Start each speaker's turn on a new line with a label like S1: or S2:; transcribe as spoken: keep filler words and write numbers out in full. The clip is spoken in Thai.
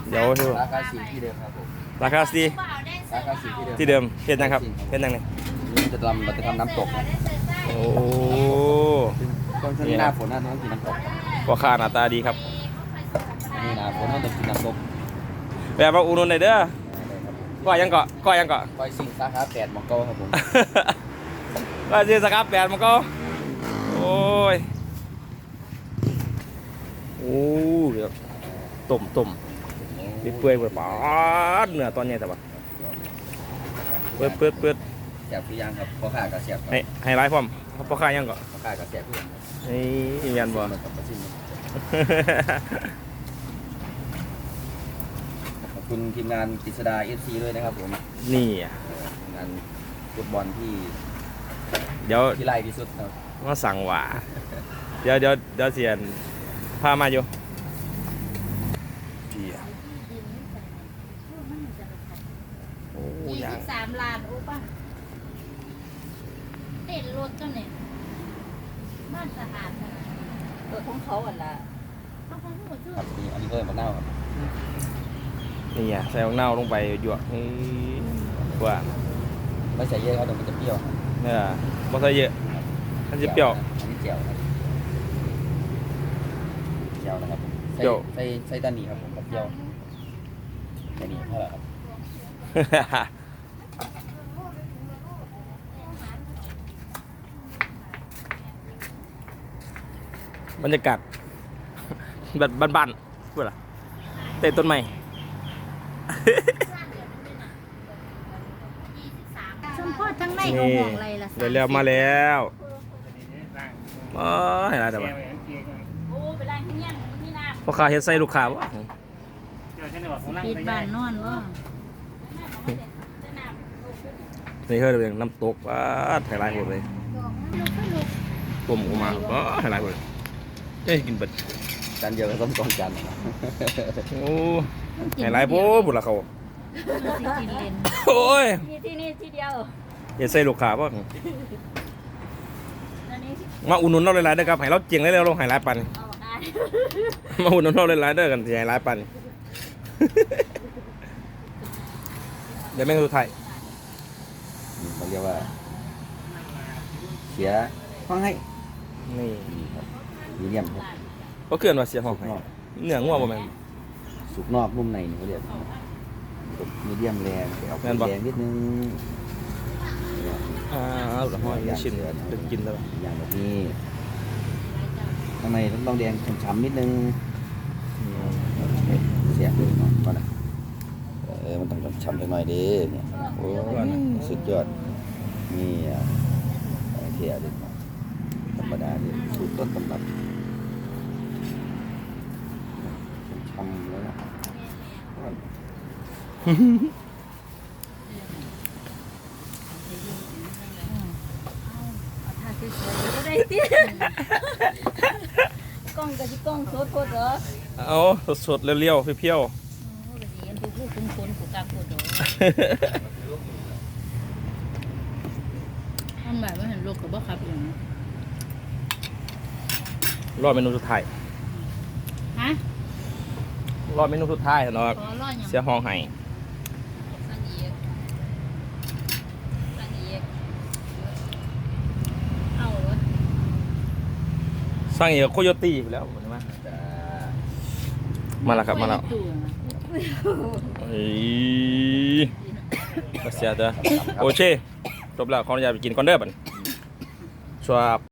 S1: เดี๋ยวดู
S2: ราคาสี่ที่เดิมครับผม
S1: ราคาสี
S2: ราคาสี่ที่เดิม
S1: ที่เดิมเฮ็ดนะครับเฮ็ดยังไง
S2: มันจะทำมันจะทำน้ำตกนะ
S1: โอ้
S2: ตอนช่วงนี้หน้าฝนหน้าต้องกินน้ำตก
S1: พ่อค้าหน้าตาดีครับ
S2: นี่หน้าฝนต้องกินน้ำตก
S1: แบบว่าอุดหนุนได้เด้อก้อยยังเกาะก้อยยังเกาะ
S2: คอยสิงสาขาแปดหมองเก้าครับผม
S1: ก็ซื้อสครับแปดมันก็โอ้ยโอ้ยต้มต้มเปื่อยๆเปื่อยปาดเนื้อตอนนี้แต่ว่าเปิดเปิดเปิด
S2: แสบคือยังครับพ่อข้ากับแสบ
S1: ให้ให้ไลฟ์พร้อมพ่อค้ายังเกาะ
S2: พ่อข้ากับแสบเพื่อน
S1: นี่ยันบ่
S2: ขอบคุณทีมงานกฤษดาเอฟซีด้วยนะครับผม
S1: นี่
S2: ทีมงานฟุตบอลที่
S1: เดี๋ยว
S2: ที่ไล่ที่สุดครับ
S1: มาสั่งหว่าเดี๋ยวเดี๋ยวเดี๋ยวเสียนพามาอยู่โอ้
S3: ยี่
S1: ยั
S3: สิ
S1: ง
S3: บสามล้านโอ้ป่ะเต้นรถเจ้าเนี่ยบ้านสะอาดนะเออของเขาอ่ะล่ะเขาของหัวชื่อ
S2: ครับนี่อันนี้เพิ่มมะนาวครับ
S1: นี่อ่ะใส่ของเน่าลงไปหยวกนี่ว่า
S2: ไม่ใส่เยอะครับเดี๋ยวมันจะเปรี้ยวครับ
S1: เนี่ยบ่ใส่เยอะมันจะเปรี้ยว
S2: อันนี้เจียวครับเจียวนะครับผมใส่
S1: เจียว
S2: ใส่ใส่ตานีครับผมกับเจียวตานีเท่าไหร่ครับ
S1: บรรยากาศแบบบ้านๆพูดอะไรเตะต้นไม้
S3: ชมพ่อทั้งในเขา
S1: นี่
S3: ห่วงอะไรล่ะ
S1: เดี๋ยวเร็วมาแล้วอ๋อเห็นอะไรแต่ว่า
S3: โอ้ไปล้างที่ยังที่น้
S1: พ่อค้าเฮ็ดใส่ลูกค้าวะ
S3: ำปิดบ้านนอนวะ
S1: นี่เฮ้ยเป็นน้ำตกว้าไทยไลท์หมดเลยต้มออกมาว้าไทยไลท์หมดเลยเอ้ยกินเบิด
S2: จานเดียวกับส้มกองจันทร์นะ
S1: โอ้ไทยไลท์โบ้บุญละเขา
S3: มันสิกินเลน
S1: โอ้ย
S3: นี่ที่นี่ที่เดียว
S1: อย่าใส่ลูกค้าวะ
S3: แล้วนี่
S1: มาอุ่นนุนเราหลายๆเด้อครับให้เราเจียงได้แล้วเราให้หลายปัน
S3: เอาได้
S1: มาอุ่นนุนเราหลายๆเด้อกันสิให้หลายปัน เดี๋ยวแม่งสุดท้าย
S2: เขาเรียกว่าเสียห้องให้
S1: นี่
S2: ครับมีเดียมครับ
S1: ก็เกินว่าเสียห้องให้เนื้องัวบ่แม่น
S2: สุกนอกนุ่มในนี่เขาเรียกมีเดียมแรงแต่เอา
S1: แม่นบ่
S2: แรงนิดนึง
S1: อ่าเอาละห้อยชิ้นเป็นกินแล้ว
S2: อย่างแบบนี้ข้างในต้องแดงฉ่ำๆนิดนึงเสียเลยเนาะก่อนนะเออมันต้องฉ่ำๆหน่อยดิเนี่ยโอ้สุดยอดนี่อ่ะเทียดิธรรมดาดิสูตรต้นตำรับฉ่ำเลยนะ
S3: เอาท่าสวยๆก็ได้ที่กล้องกับที่กล้องโซดโคตรเหรอ
S1: เอาสดๆเรียวๆเพียว
S3: โอ้ก็ดีอันผู้ผู้คุ้นคุ้นผู้กลางผู้โดด
S1: ๆ
S3: ทำแบบว่าเห็นโลกกับบ่ครับอย่างนี้
S1: รอดเมนูสุดท้าย
S3: ฮะ
S1: รอดเมนูสุดท้ายเนาะ
S3: ขอรอดอย่าง
S1: เสียห้องให้
S3: สังเอียสังเอียเอาวะ
S1: สร้างเอกโคโยตี้ไปแล้วใช่ไหมมาแล้วครับมาแล้วเฮ้ยเสียเด้อโอเคจบแล้วขออนุญาตไปกินก่อนเด้อบัดชัวร์